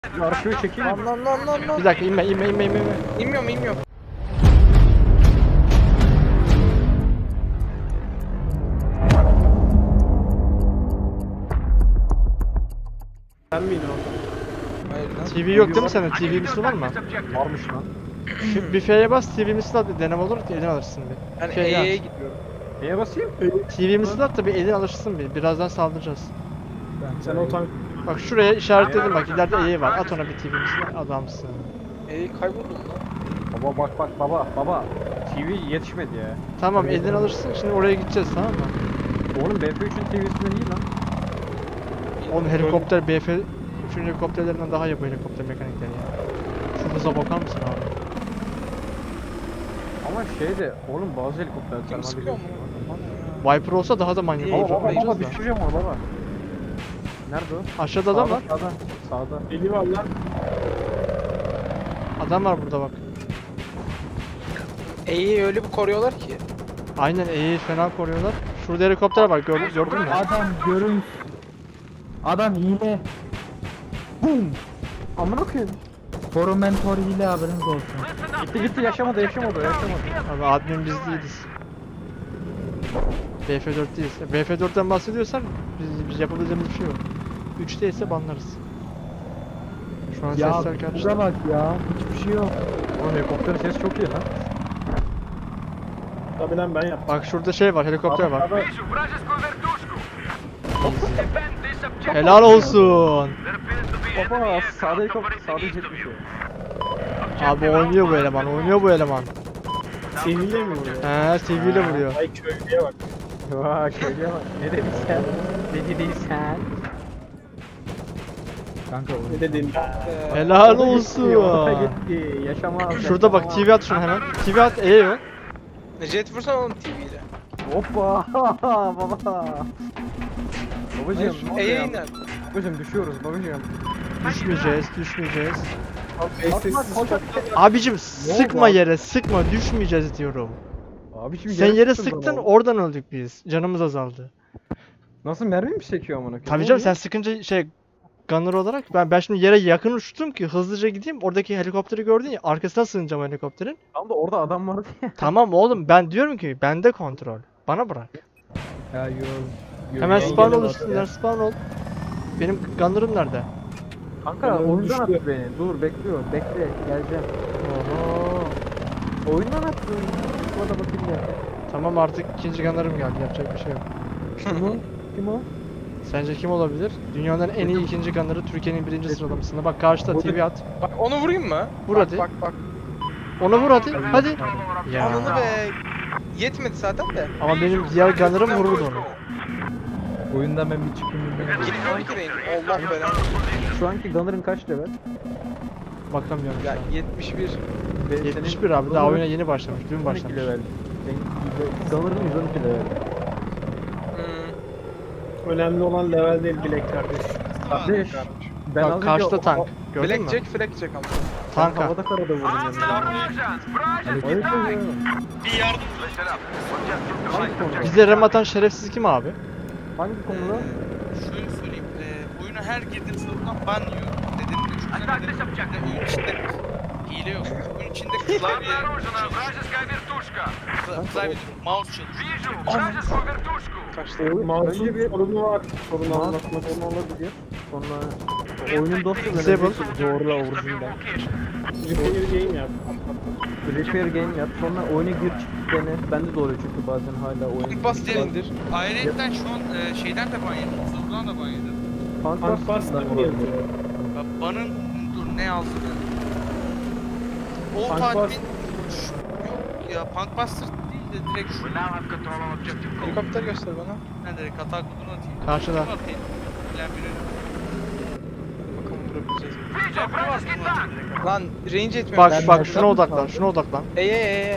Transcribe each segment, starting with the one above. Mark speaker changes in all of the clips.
Speaker 1: Arkayı çekeyim.
Speaker 2: Lan.
Speaker 3: Bir dakika inme.
Speaker 2: İnmiyorum.
Speaker 1: Sen mi iniyorsun?
Speaker 2: Hayır lan.
Speaker 3: TV yok değil mi sende? TV misli var mı?
Speaker 1: Varmış lan.
Speaker 3: Şu büfeye bas TV misli at deneme olur elini alırsın bir.
Speaker 2: Ben
Speaker 3: Büfeye
Speaker 2: E'ye
Speaker 3: at.
Speaker 2: gidiyorum.
Speaker 1: Neye basayım?
Speaker 3: TV misli at da bir elini alırsın bir. Birazdan saldıracağız.
Speaker 1: Sen o tank...
Speaker 3: Bak şuraya işaretledim bak ileride E var. At ona bir TV misli adamsın.
Speaker 2: E'yi kayboldum lan.
Speaker 1: Baba bak baba. TV yetişmedi ya.
Speaker 3: Tamam elini alırsın şimdi oraya gideceğiz tamam mı?
Speaker 1: Oğlum BF3'ün TV'sinden iyi lan.
Speaker 3: Oğlum helikopter BF 3. helikopterlerinden daha iyi bu helikopter mekanikleri ya. Şu hıza bakar mısın abi?
Speaker 1: Ama şeyde oğlum bazı helikopterler
Speaker 2: Kim sıkıyor mu?
Speaker 3: Viper olsa daha da manyak
Speaker 2: İyi,
Speaker 3: olur.
Speaker 1: Baba
Speaker 3: Oynayacağız da.
Speaker 1: düşüreceğim onu baba. Nerede o?
Speaker 3: Aşağıda adam var.
Speaker 1: Sağda.
Speaker 4: Eli var lan.
Speaker 3: Adam var burada bak.
Speaker 2: E'yi öyle bir koruyorlar ki.
Speaker 3: Aynen E'yi fena koruyorlar. Şurada helikopter var gördün mü?
Speaker 4: Adam görün. Adam hile. Bum.
Speaker 1: Amına koyayım.
Speaker 4: Tormentor hile haberiniz olsun.
Speaker 1: Gitti yaşamadı.
Speaker 3: Abi admin biz değiliz. BF4 değiliz. BF4'ten bahsediyorsan biz yapabileceğimiz bir şey yok. 3'te ise banlarız. Şu an
Speaker 4: Ya
Speaker 3: sesler karıştı.
Speaker 4: buga bak ya. Hiçbir şey yok.
Speaker 1: Oğlum helikopterin sesi çok iyi lan.
Speaker 4: Tabii lan ben yaptım.
Speaker 3: Bak şurada şey var, helikopter var.
Speaker 1: Sağda-
Speaker 3: Helal olsun.
Speaker 1: Baba sağda helikopter sağda jet bir şey.
Speaker 3: Abi oynuyor bu eleman.
Speaker 4: Seviyle mi vuruyor?
Speaker 3: He, TV ile vuruyor.
Speaker 4: Ay köylüye bak.
Speaker 1: Vay şöyle bak. Ne dedin sen? Ne dedin sen?
Speaker 4: Kanka ne dedin?
Speaker 3: Helal
Speaker 1: Orada
Speaker 3: olsun.
Speaker 1: gitti, orada gitti. Yaşamaz.
Speaker 3: Şurada bak TV at şunu hemen. TV at E'ye ver.
Speaker 2: Jet vursana oğlum TV'yle.
Speaker 1: Hoppa baba. Babacığım ne oluyor
Speaker 2: E'ye
Speaker 1: ya?
Speaker 2: iner.
Speaker 1: Babacığım düşüyoruz babacığım.
Speaker 3: Düşmeyeceğiz.
Speaker 1: Atma, koşak.
Speaker 3: Abicim sıkma yere, sıkma düşmeyeceğiz diyorum.
Speaker 1: Abi şimdi
Speaker 3: Sen yere
Speaker 1: sıktın
Speaker 3: sıktın
Speaker 1: bana.
Speaker 3: oradan öldük biz. Canımız azaldı.
Speaker 1: Nasıl mermi mi sekiyor amına koyayım?
Speaker 3: Tabii
Speaker 1: Ne
Speaker 3: canım
Speaker 1: oluyor?
Speaker 3: sen sıkınca gunner olarak ben şimdi yere yakın uçtum ki hızlıca gideyim. Oradaki helikopteri gördün ya arkasına sığınacağım helikopterin.
Speaker 1: Tam da orada adam vardı ya.
Speaker 3: Tamam oğlum ben diyorum ki bende kontrol. Bana bırak.
Speaker 4: Ya yol.
Speaker 3: Hemen spawn ol üstünden spawn ol. Benim gunner'ım nerede?
Speaker 1: Kanka
Speaker 4: Adam
Speaker 1: oyundan
Speaker 4: düştü.
Speaker 1: attı beni. Dur bekliyor. Bekle geleceğim. Oho. Oyundan attı. Şurada bakayım ya.
Speaker 3: Tamam artık ikinci gunner'ım geldi yapacak bir şey yok.
Speaker 1: Kim o?
Speaker 3: Sence kim olabilir? Dünyanın en iyi ikinci gunner'ı Türkiye'nin birinci sıralamasında. Bak karşıda TV at.
Speaker 2: Bak onu vurayım mı?
Speaker 3: Vur
Speaker 2: Bak,
Speaker 3: hadi.
Speaker 2: Bak.
Speaker 3: Ona vur hadi. Ya.
Speaker 2: Ananı be. Yetmedi zaten de.
Speaker 3: Ama benim diğer gunner'ım vururdu onu.
Speaker 4: Oyundan ben bir çıkayım.
Speaker 2: Gitmiyorum ki neydi? Allah belanı.
Speaker 1: Şu anki Gunner'ın kaç level?
Speaker 3: Bakamıyorum şu
Speaker 2: Ya
Speaker 3: an.
Speaker 2: 71.
Speaker 3: 71 abi daha oyuna yeni başlamış. Dün
Speaker 1: 12
Speaker 3: başlamış.
Speaker 1: level. Gunner'ın 112 level.
Speaker 4: Önemli olan level değil bilek kardeş.
Speaker 1: Kardeş. Ben
Speaker 3: Bak karşıda tank. Gördün mü?
Speaker 2: Blackjack ama.
Speaker 3: Tanka.
Speaker 1: Havada karada vurdum yanımda. Hangi konuda?
Speaker 3: Bize rem atan şerefsiz kim abi?
Speaker 1: Hangi konuda?
Speaker 5: Şöyle söyleyeyim, oyuna her girdiğim sınıftan ban yiyorum. Nedenini de düşünsene oyun içinde hile yok. Oyun içinde klavye klavye mouse çalışıyor.
Speaker 2: Kaçtı.
Speaker 4: Mouse'un
Speaker 1: Önce bir-
Speaker 4: sorunu var. Sorunu
Speaker 1: Mouse
Speaker 4: anlatmak.
Speaker 1: sorunu olabilir. Sonra oyunun dosyası
Speaker 3: Disable.
Speaker 1: doğrula orijinal.
Speaker 4: Repair game yap.
Speaker 1: Repair game yap. Sonra oyuna gir çık dene. Bende de oluyor çünkü bazen hala oyun.
Speaker 2: Bas diye indir.
Speaker 5: Ayrıca şu an şeyden de ban yedim. Zırhdan da ban yedim.
Speaker 4: Tank bastı mı yazıyor?
Speaker 5: Ya banın dur ne yazdı? O
Speaker 4: Punk
Speaker 5: tatmin
Speaker 4: Buster.
Speaker 5: yok ya Punkbuster değil de direkt şu
Speaker 2: Helikopter göster bana.
Speaker 5: ben direkt hata kodunu atayım.
Speaker 3: Karşıda.
Speaker 5: Atayım. Bilen biri.
Speaker 2: Bakalım vurabileceğiz mi?
Speaker 5: Bilen biri var bunu atayım.
Speaker 2: Lan range etmiyor.
Speaker 3: Bak şuna odaklan şuna odaklan.
Speaker 2: Eye.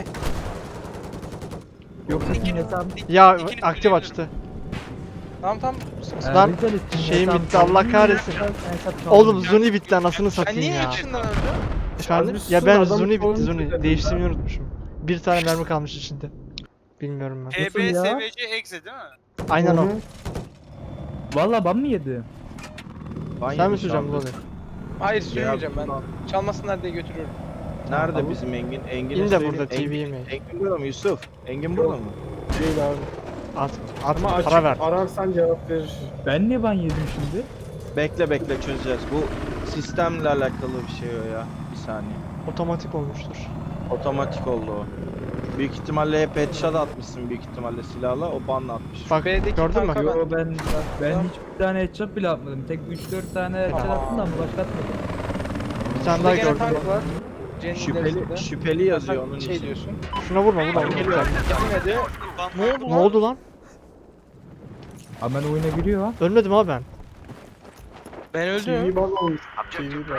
Speaker 1: Yoksa
Speaker 5: İkini-
Speaker 1: hesap
Speaker 3: Ya
Speaker 5: İkiniz
Speaker 3: aktif
Speaker 5: biliyorum.
Speaker 3: açtı.
Speaker 2: Tamam.
Speaker 3: Lan şeyim bitti Allah kahretsin. Oğlum Zuni bitti anasını
Speaker 2: Sen
Speaker 3: satayım
Speaker 2: niye
Speaker 3: ya.
Speaker 2: içinden öldün?
Speaker 3: Efendim?
Speaker 4: Abi
Speaker 3: Ya
Speaker 4: sus,
Speaker 3: ben
Speaker 4: adam
Speaker 3: Zuni bitti
Speaker 4: sorunu
Speaker 3: Zuni.
Speaker 4: çözelim.
Speaker 3: Değiştirmeyi unutmuşum. Bir tane mermi kalmış içinde. Bilmiyorum ben.
Speaker 5: TB SVC exe değil mi?
Speaker 3: Aynen o.
Speaker 4: Valla ban mı yedi?
Speaker 3: Sen mi söyleyeceksin bunu?
Speaker 2: Hayır sürmeyeceğim ben. Çalmasınlar diye götürüyorum.
Speaker 6: Nerede bizim Engin? Engin'e
Speaker 3: İn de
Speaker 6: söyleyeyim.
Speaker 3: burada TV
Speaker 6: Engin,
Speaker 3: yemeği.
Speaker 6: Engin burada mı Yusuf? Engin burada mı?
Speaker 4: Değil abi.
Speaker 3: At
Speaker 4: Ama açık
Speaker 3: para ver.
Speaker 4: ararsan cevap verir.
Speaker 7: Ben niye ban yedim şimdi?
Speaker 6: Bekle çözeceğiz. Bu sistemle alakalı bir şey o ya. Bir saniye.
Speaker 3: Otomatik olmuştur.
Speaker 6: Otomatik oldu o. Büyük ihtimalle hep headshot atmışsın büyük ihtimalle silahla. O banla atmış.
Speaker 3: Bak
Speaker 2: B'deki
Speaker 3: gördün mü?
Speaker 2: tanka
Speaker 7: Yo ben
Speaker 2: Tamam.
Speaker 7: hiçbir tane headshot bile atmadım. Tek 3-4 tane headshot attım da ama başka atmadım.
Speaker 3: Bir tane
Speaker 2: Burada
Speaker 3: daha
Speaker 2: gene
Speaker 3: gördüm.
Speaker 2: tank var. Cennet
Speaker 6: Şüpheli yazıyor onun
Speaker 2: şey
Speaker 6: için.
Speaker 2: diyorsun.
Speaker 3: Şuna vurma.
Speaker 2: Gitmedi.
Speaker 5: Ne oldu
Speaker 3: Ne oldu lan?
Speaker 7: Ama ben oyuna giriyor ha.
Speaker 3: Ölmedim abi ben.
Speaker 2: Ben öldüm.
Speaker 4: TV bal olmuş. TV bal.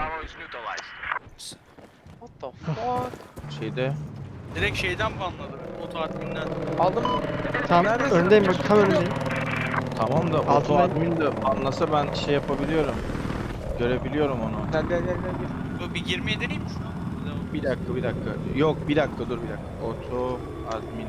Speaker 2: What the fuck?
Speaker 6: Şeyde.
Speaker 5: Direkt şeyden banladı. Oto adminden.
Speaker 2: Aldım mı?
Speaker 3: Tamam
Speaker 2: Neredesin?
Speaker 3: önündeyim bak tam önündeyim.
Speaker 6: Tamam da
Speaker 3: Altına-
Speaker 6: auto admin de anlasa ben şey yapabiliyorum. Görebiliyorum onu.
Speaker 2: Gel.
Speaker 5: Yo, bir girmeye deneyeyim mi şuna?
Speaker 6: Bir dakika. Yok bir dakika dur bir dakika. Auto admin.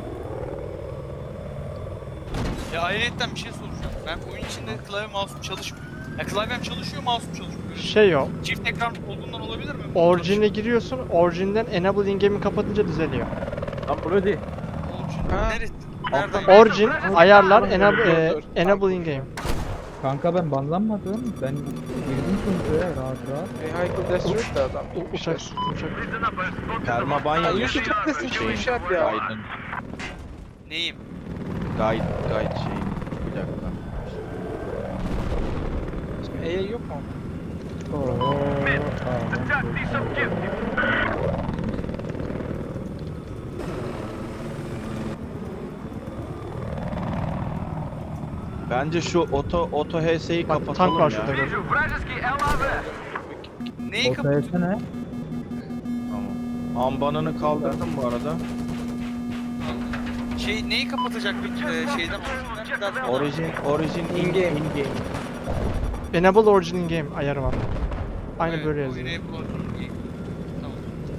Speaker 5: Ya ayrıyetten bir şey soracağım. Ben oyun içinde klavye mouse'um çalışmıyor. Ya klavyem çalışıyor, mouse'um çalışmıyor. Böyle
Speaker 3: Şey yok.
Speaker 5: çift ekran olduğundan olabilir mi?
Speaker 3: Orijine giriyorsun. Orijinden enable in-game'i kapatınca düzeliyor.
Speaker 7: Lan bu değil.
Speaker 5: Orijin
Speaker 2: Ha.
Speaker 5: neresi? Nereden?
Speaker 3: Origin ayarlar
Speaker 2: Dur,
Speaker 3: enable,
Speaker 2: dur.
Speaker 3: enable in-game.
Speaker 7: Kanka ben banlanmadım. Ben girdim sonuçta ya rahat rahat.
Speaker 2: Vehicle Destroyed da adam.
Speaker 3: Uçak.
Speaker 6: Permaban
Speaker 2: Ya
Speaker 6: yazıyor.
Speaker 2: Yusuf neredesin şu işi yap ya.
Speaker 6: Guide'ın.
Speaker 5: Neyim?
Speaker 6: Guide şey. Bir dakika.
Speaker 2: E'ye yok mu?
Speaker 6: Bence şu oto HS'yi
Speaker 3: Bak
Speaker 6: kapatalım
Speaker 3: tank var
Speaker 6: ya.
Speaker 3: şurada gördün.
Speaker 5: Neyi
Speaker 7: O ne?
Speaker 6: Tamam. Ambanını kaldırdım bu arada.
Speaker 5: Şey neyi kapatacaktık şeyden orijinal?
Speaker 6: Origin in-game.
Speaker 3: Enable origin in-game ayarı var. Aynı böyle yazıyor.
Speaker 5: Tamam.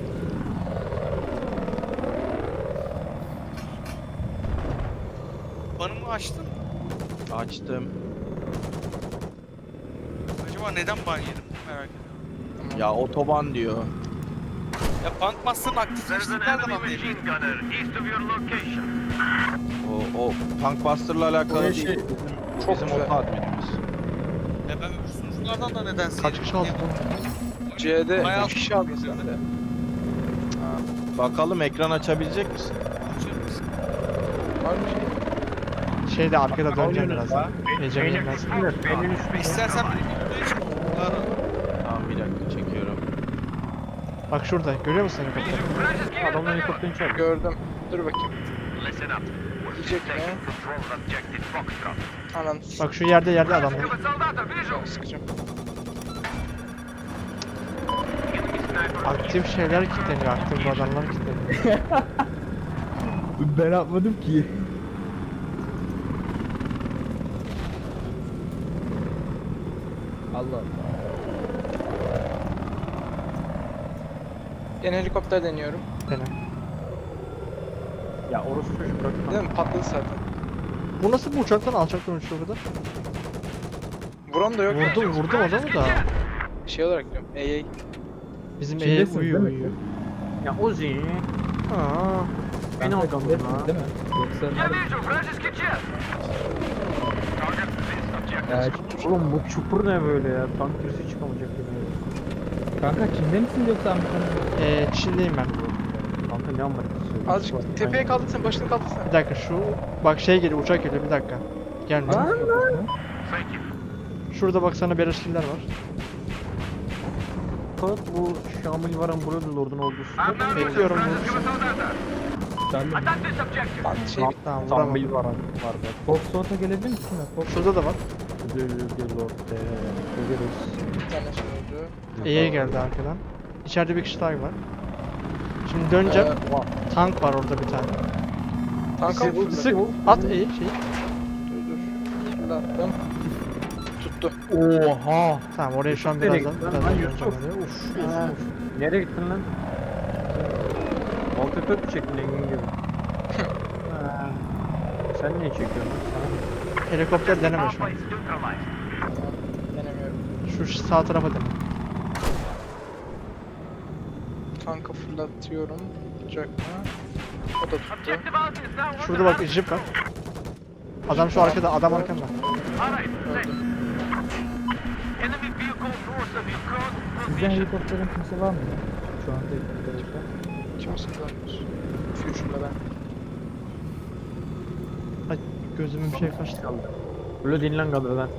Speaker 5: Banımı açtın.
Speaker 6: Açtım.
Speaker 5: Acaba neden ban yedim? Merak ediyorum.
Speaker 6: Ya otoban diyor.
Speaker 5: Ya Punk Master'ın aktifleştiğini nereden anlayabilirim?
Speaker 6: O Punkbuster'la alakalı
Speaker 4: O
Speaker 6: değil.
Speaker 4: şey-
Speaker 6: Bu
Speaker 2: Çok
Speaker 6: bizim
Speaker 2: güzel.
Speaker 6: oto adminimiz.
Speaker 5: Ya ben öbür sunuculardan da nedense
Speaker 3: Kaç
Speaker 5: yedim.
Speaker 3: kişi aldı?
Speaker 2: C'de
Speaker 5: Bayağı
Speaker 2: 3 kişi aldı sen de.
Speaker 6: Bakalım ekran açabilecek misin?
Speaker 2: Var mı şey?
Speaker 3: Şeyde arkada döneceğim birazdan. Ece gelmez.
Speaker 5: İstersen benim videoya çık.
Speaker 6: Tamam bir dakika çekiyorum.
Speaker 3: Bak şurada görüyor musun helikopteri?
Speaker 7: Adamın helikopterini çağırdı.
Speaker 2: Gördüm. Dur bakayım. Yiyecek mi? Anan.
Speaker 3: Bak şu yerde adamlar.
Speaker 2: Sıkacağım.
Speaker 3: Aktif şeyler kilitleniyor. Aktif radarlar kilitleniyor.
Speaker 7: Ben atmadım ki. Allah Allah.
Speaker 2: Gene helikopter deniyorum.
Speaker 3: Dene.
Speaker 4: Ya orası çocuk bırak.
Speaker 2: Değil mi? Patladı zaten.
Speaker 3: Bu nasıl bu uçaktan alçaktan uçuyor burada?
Speaker 2: Vuran da yok.
Speaker 3: Vurdum adamı da.
Speaker 2: Şey olarak diyorum. E'ye.
Speaker 3: Bizim
Speaker 7: İçindesiniz
Speaker 3: uyuyor
Speaker 7: değil mi?
Speaker 3: uyuyor.
Speaker 4: Ya Ozi.
Speaker 3: Aa,
Speaker 4: Beni
Speaker 7: Kanka,
Speaker 4: aldım
Speaker 7: hepsi
Speaker 4: ha.
Speaker 7: değil mi? Yoksa ya,
Speaker 4: Oğlum bu çukur ne böyle ya? Tank birisi çıkamayacak gibi.
Speaker 7: kanka Çin'de misin yoksa Amerika'da?
Speaker 3: Çin'deyim ben.
Speaker 4: Kanka ne Amerika'sı?
Speaker 2: Azıcık tepeye kaldırsana, başını kaldırsana.
Speaker 3: Bir dakika şu bak şey geliyor uçak geliyor bir dakika. Gelme. Şurada bak sana beleşkiller var.
Speaker 4: Fakat bu Şamil Varan Brothers Lord'un ordusu.
Speaker 3: Bekliyorum bunu.
Speaker 7: Sen de
Speaker 2: Lan şey
Speaker 3: Tamam vuramam.
Speaker 4: Şamil Varan var bak.
Speaker 7: Foxtrot'a gelebilir misin? Fox
Speaker 3: Şurada da var.
Speaker 4: Lord. Görürüz.
Speaker 2: bir tane şey oldu.
Speaker 3: E'ye geldi arkadan. İçeride bir kişi daha var. Şimdi döneceğim. Tank var orada bir tane.
Speaker 2: Tanka mı fırladı?
Speaker 3: Sık at E'yi şey.
Speaker 2: Dur. Şimdi attım. Tuttu.
Speaker 4: Oha.
Speaker 3: Tamam oraya şu an
Speaker 4: Nereye
Speaker 3: birazdan
Speaker 4: gittin lan?
Speaker 3: döneceğim
Speaker 4: Yusuf.
Speaker 3: oraya. Uf.
Speaker 4: Nereye gittin lan? Altı kök çektin Engin gibi. Ha. Sen niye çekiyorsun lan? Sana
Speaker 3: Helikopter deneme şu an.
Speaker 2: Denemiyorum.
Speaker 3: Şu sağ tarafa dene.
Speaker 8: tanka fırlatıyorum. Tutacak mı? O da tuttu.
Speaker 2: Objective Alpha is now
Speaker 3: Şurada bak jip var. Adam şu arkada, adam arkanda.
Speaker 2: All right,
Speaker 8: Öldü.
Speaker 2: enemy vehicle north of you. Cross
Speaker 7: Sizden
Speaker 2: position.
Speaker 7: helikopterin kimse var mı ya? Şu anda helikopter.
Speaker 8: Kimse kullanmıyor. Future'la ben.
Speaker 3: Ay gözümün bir şey kaçtı.
Speaker 4: Böyle dinlen kadrodan.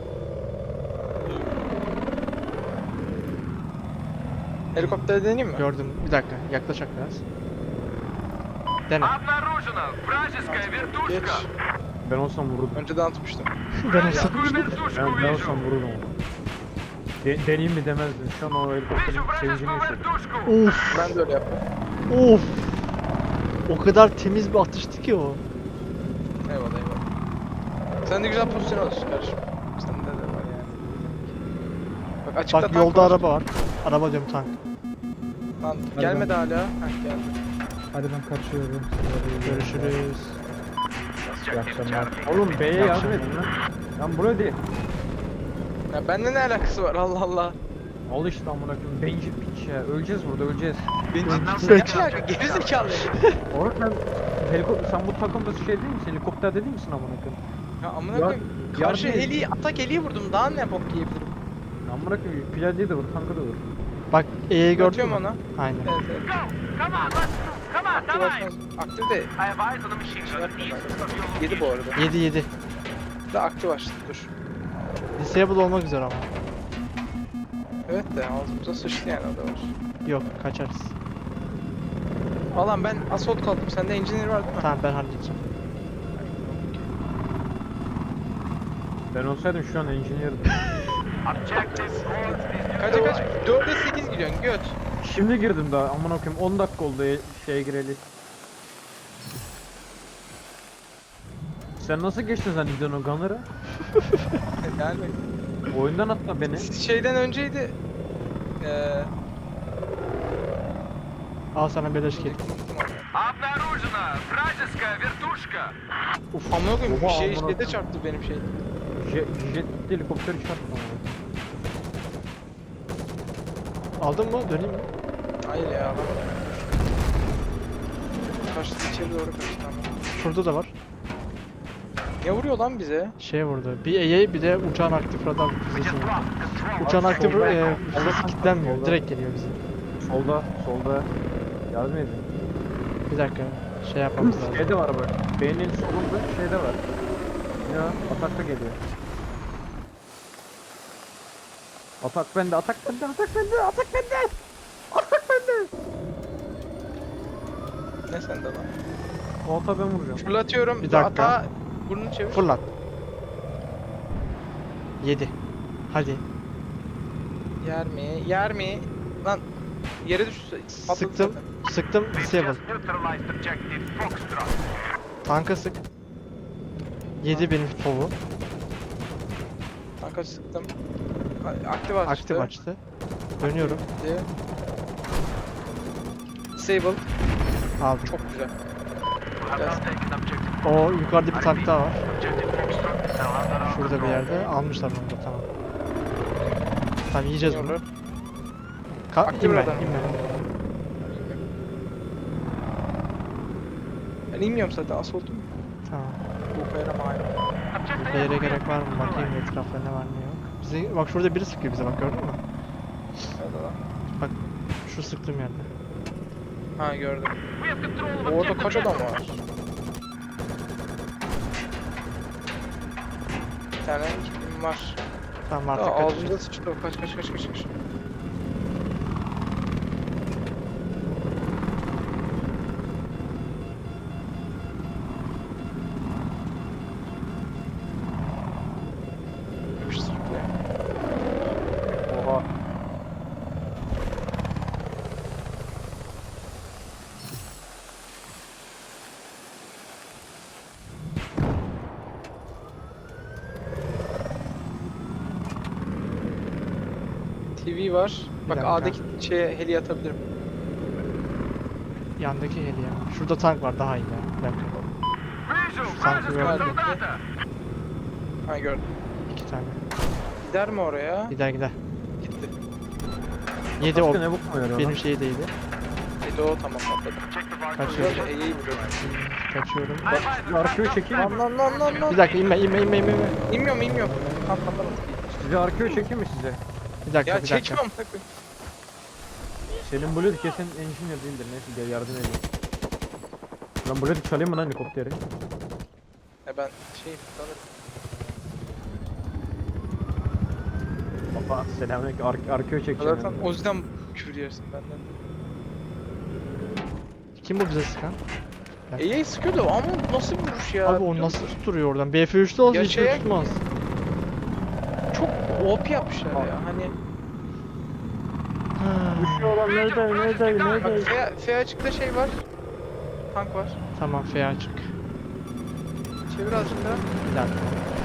Speaker 8: Helikopter deneyeyim mi?
Speaker 3: Gördüm. Bir dakika, yaklaşak biraz. Dene.
Speaker 2: Обнаружена вражеская
Speaker 8: Geç.
Speaker 2: вертушка.
Speaker 4: Ben olsam vururdum.
Speaker 8: Önceden atmıştım.
Speaker 3: Ben olsam.
Speaker 2: Вражескую вертушку
Speaker 4: Ben
Speaker 2: вижу.
Speaker 4: olsam vururdum onu. Deneyeyim mi demezdim. Şu an o helikopterin
Speaker 2: Вижу
Speaker 4: sevincini
Speaker 2: вражескую
Speaker 4: yaşıyorum.
Speaker 2: вертушку.
Speaker 3: Of.
Speaker 8: Ben de öyle yaptım.
Speaker 3: Of. O kadar temiz bir atıştı ki o.
Speaker 8: Eyvallah eyvallah. Sen de güzel pozisyon alıyorsun kardeşim. Sende de var yani. Bak açıkta
Speaker 3: Bak
Speaker 8: tank
Speaker 3: yolda
Speaker 8: var.
Speaker 3: araba var. Araba diyorum tank.
Speaker 8: Lan gelmedi hala. Heh geldi.
Speaker 7: Hadi ben kaçıyorum.
Speaker 3: Görüşürüz.
Speaker 7: İyi akşamlar.
Speaker 4: Oğlum B'ye yardım edin lan. Lan buraya değil.
Speaker 8: Ya bende ne alakası var Allah Allah.
Speaker 4: Al işte amına koyayım. Bencil piç ya. Öleceğiz burada öleceğiz.
Speaker 3: Peki.
Speaker 8: Ne alaka? Gerizekalı.
Speaker 4: Orada sen sen bu takımda şey değil misin? Helikopter değil misin amına koyayım?
Speaker 8: Ya amına
Speaker 4: Ya-
Speaker 8: koyayım. Karşı
Speaker 4: yardım-
Speaker 8: heliyi atak heliyi vurdum. Daha ne bok yiyebilirim?
Speaker 4: Amına koyayım. Piladiye de vur, tanka da vur.
Speaker 3: Bak E'yi gördün
Speaker 8: Atıyorum
Speaker 3: mü?
Speaker 8: ona.
Speaker 3: Aynen.
Speaker 8: Evet evet.
Speaker 2: Go. Come on, let's move. Come on,
Speaker 8: Aktif
Speaker 2: давай.
Speaker 8: açmaz. Aktif de
Speaker 2: I have eyes on the machine
Speaker 8: şey
Speaker 2: gun
Speaker 8: yapma
Speaker 2: east of your
Speaker 8: ben. Yedi bu
Speaker 2: location.
Speaker 8: arada.
Speaker 3: 7-7.
Speaker 8: Da aktif açtı dur.
Speaker 3: Disable olmak üzere ama.
Speaker 8: Evet de ağzımıza sıçtı yani o da var.
Speaker 3: Yok kaçarız.
Speaker 8: Alan ben assault kaldım. Sende engineer var değil mi?
Speaker 3: Tamam ben halledeceğim.
Speaker 4: Ben olsaydım şu an engineer'dım.
Speaker 2: Objective north is
Speaker 8: Kaça kaç? 4'e 8 gidiyorsun göt.
Speaker 4: Şimdi girdim daha amına koyayım 10 dakika oldu şeye gireli. Sen nasıl geçtin sen İdon o Gunner'ı?
Speaker 8: Yani
Speaker 4: Oyundan atma beni.
Speaker 8: şeyden önceydi.
Speaker 3: Al sana beleş kill.
Speaker 2: Обнаружена вражеская вертушка.
Speaker 8: Uf amına koyayım bir
Speaker 4: Oha,
Speaker 8: şey
Speaker 4: amına
Speaker 8: şeyde
Speaker 4: koyayım.
Speaker 8: çarptı benim şey.
Speaker 4: Jet helikopteri çarptı ama.
Speaker 3: Aldın mı? Döneyim mi?
Speaker 8: Hayır ya adam. Kaçtı içeri doğru kaçtı ama.
Speaker 3: Şurada da var.
Speaker 8: Ne vuruyor lan bize?
Speaker 3: Şey vurdu. Bir E'ye bir de uçağın aktif radar füzesi vurdu. Uçağın aktif füzesi kilitlenmiyor. Direkt geliyor bize.
Speaker 4: Solda. Yardım edin.
Speaker 3: Bir dakika. Şey yapmamız lazım.
Speaker 4: Şeyde var bak. Beynin solunda şeyde var. Ya atakta geliyor. Atak bende.
Speaker 8: Ne sende lan?
Speaker 4: O ata ben vuracağım.
Speaker 8: Fırlatıyorum.
Speaker 3: Bir dakika.
Speaker 8: Ata burnunu çevir.
Speaker 3: Fırlat. 7. Hadi.
Speaker 8: Yer mi? Yer mi? Lan yere düştü. Patladı
Speaker 3: Sıktım.
Speaker 8: zaten.
Speaker 3: Sıktım. Disable.
Speaker 2: Just neutralized objective Foxtrot.
Speaker 3: Tanka sık. 7 benim fovu.
Speaker 8: Kanka sıktım. Aktif açtı.
Speaker 3: Aktif açtı. Dönüyorum.
Speaker 8: Disable.
Speaker 3: Aldım.
Speaker 8: Çok güzel.
Speaker 2: Have now taken objective.
Speaker 3: O yukarıda bir tank daha var.
Speaker 2: Objective Foxtrot is now under our
Speaker 3: Şurada bir
Speaker 2: control.
Speaker 3: yerde. Almışlar onu da tamam. Tamam yiyeceğiz bunu.
Speaker 8: Yiyorlar. Aktif
Speaker 3: İnme,
Speaker 8: radar.
Speaker 3: inme.
Speaker 8: Ben inmiyorum zaten assault'um.
Speaker 3: Tamam.
Speaker 8: Bu kayra mağara.
Speaker 2: Objective
Speaker 3: Bir yere
Speaker 2: Alpha
Speaker 3: gerek var mı?
Speaker 2: is
Speaker 3: Bakayım etrafta ne var ne yok. Bize, bak şurada biri sıkıyor bize bak gördün mü?
Speaker 8: Nerede lan?
Speaker 3: Şu sıktığım yerde.
Speaker 8: Ha gördüm.
Speaker 2: We have control of
Speaker 8: Orada
Speaker 2: objective
Speaker 8: kaç adam
Speaker 2: Alpha.
Speaker 8: var? Bir tane kim var?
Speaker 3: Tamam
Speaker 8: Aa,
Speaker 3: artık
Speaker 8: ağzımda
Speaker 3: kaçacağız.
Speaker 8: sıçtı. Kaç. Yapıştır buraya.
Speaker 4: Oha.
Speaker 8: TV var. Bak
Speaker 3: dakika.
Speaker 8: A'daki şeye heli atabilirim.
Speaker 3: Yandaki heli ya. Şurada tank var daha iyi ya. Bir dakika.
Speaker 2: Вижу
Speaker 3: Танки
Speaker 2: вражеского
Speaker 8: gördüm.
Speaker 2: солдата.
Speaker 8: Ha gördüm.
Speaker 3: 2 tane.
Speaker 8: Gider mi oraya?
Speaker 3: Gider.
Speaker 8: Gitti.
Speaker 3: 7 o.
Speaker 4: Başka ne bokma yarıyor
Speaker 3: Benim
Speaker 4: lan?
Speaker 3: şey değildi.
Speaker 8: Yo tamam atladım.
Speaker 3: Kaçıyorum.
Speaker 8: Şöyle E'yi vuruyorum.
Speaker 3: Kaçıyorum.
Speaker 4: Arkaya çekeyim mi?
Speaker 3: Bir dakika inme.
Speaker 8: İnmiyorum. Tamam atladım.
Speaker 4: Size arkaya çekeyim mi size?
Speaker 3: Bir dakika
Speaker 8: Ya
Speaker 3: bir dakika.
Speaker 8: çekiyorum.
Speaker 4: Senin Blue kesin engineer değildir. Neyse gel yardım edeyim. Lan Blue çalayım mı lan helikopteri?
Speaker 8: Ben şey sanırım.
Speaker 4: Baba selamünaleyküm. Arkaya çekeceğim.
Speaker 8: Zaten o yüzden küfür yersin benden.
Speaker 3: Kim bu bize sıkan?
Speaker 8: E'yi sıkıyordu ama nasıl bir vuruş ya?
Speaker 3: Abi o nasıl tutturuyor oradan? BF3'te olsa
Speaker 8: Ya
Speaker 3: hiç
Speaker 8: şeye-
Speaker 3: tutmaz.
Speaker 8: Çok OP yapmışlar ya hani.
Speaker 4: Düşüyor lan neredeyim?
Speaker 8: Bak F açıkta şey var. Tank var.
Speaker 3: Tamam F açık.
Speaker 8: Çevir azıcık daha.
Speaker 3: Bir dakika.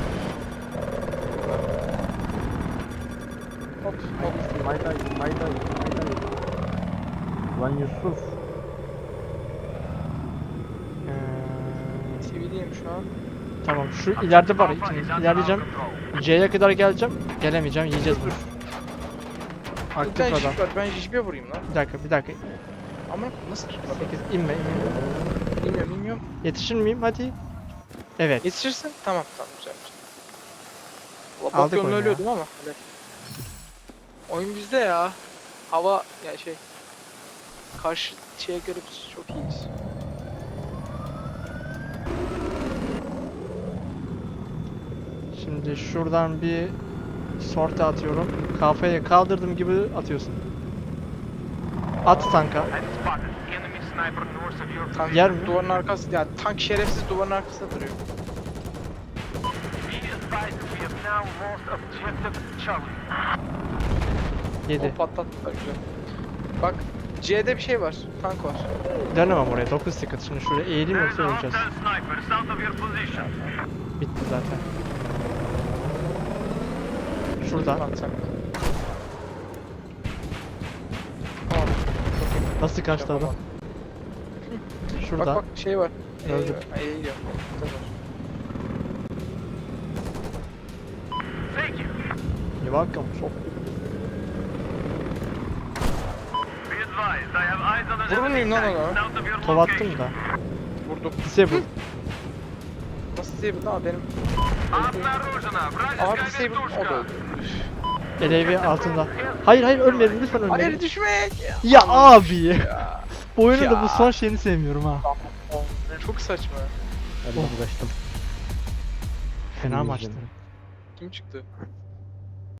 Speaker 8: Hop hop.
Speaker 4: Mayday. Lan Yusuf.
Speaker 8: TV'deyim şu an.
Speaker 3: Tamam şu ileride var. Şimdi ilerleyeceğim. C'ye kadar geleceğim. Gelemeyeceğim. Yiyeceğiz bunu.
Speaker 8: Bir
Speaker 3: Aktif
Speaker 8: tane
Speaker 3: adam.
Speaker 8: jip var. Ben jip'e vurayım lan.
Speaker 3: Bir dakika.
Speaker 8: Ama nasıl tutmadı?
Speaker 3: 8 inme.
Speaker 8: Bilmiyorum.
Speaker 3: Yetişir miyim? Hadi. Evet.
Speaker 8: Yetişirsin. Tamam güzel.
Speaker 3: Aldık
Speaker 8: Aldık
Speaker 3: oyunu ya.
Speaker 8: ölüyordum ama. Evet. Oyun bizde ya. Hava ya şey. Karşı şeye göre biz çok iyiyiz.
Speaker 3: Şimdi şuradan bir sorte atıyorum. Kafaya kaldırdığım gibi atıyorsun. At tanka.
Speaker 2: And spotted. Enemy sniper north of your
Speaker 8: Tank
Speaker 3: Yer mi?
Speaker 8: duvarın arkası ya tank şerefsiz duvarın arkasında duruyor.
Speaker 2: Be advised we have now lost objective Charlie.
Speaker 3: 7.
Speaker 8: O patlattılar güzel. Bak C'de bir şey var. Tank var.
Speaker 3: Dönemem oraya. 9 ticket. Şimdi şuraya eğileyim yoksa
Speaker 2: There's a
Speaker 3: öleceğiz.
Speaker 2: hostile sniper south of your position.
Speaker 3: Bitti zaten. Şurada.
Speaker 8: Atsak.
Speaker 3: Nasıl kaçtı adam? Şurada.
Speaker 8: Bak şey var.
Speaker 3: Öldü.
Speaker 8: İyi gidiyor.
Speaker 2: Thank you.
Speaker 3: You're welcome. Çok.
Speaker 2: Be advised, I have eyes on an
Speaker 8: Vurur
Speaker 2: enemy
Speaker 8: muyum lan
Speaker 2: tank
Speaker 8: ona?
Speaker 2: south of your
Speaker 3: Tovattım
Speaker 2: location.
Speaker 3: da.
Speaker 8: Vurdum.
Speaker 3: Disable.
Speaker 8: Nasıl disable lan benim?
Speaker 2: Обнаружена
Speaker 8: Abi
Speaker 2: вражеская
Speaker 8: disable o da
Speaker 2: вертушка.
Speaker 3: LAV altında. Hayır ölmeyelim lütfen
Speaker 8: Hayır
Speaker 3: ölmeyelim.
Speaker 8: düşmek.
Speaker 3: Ya abi. Bu oyunun da
Speaker 8: Ya.
Speaker 3: bu son şeyini sevmiyorum ha.
Speaker 8: Çok saçma.
Speaker 4: Hadi ben kaçtım.
Speaker 3: Fena maçtı.
Speaker 8: Kim çıktı?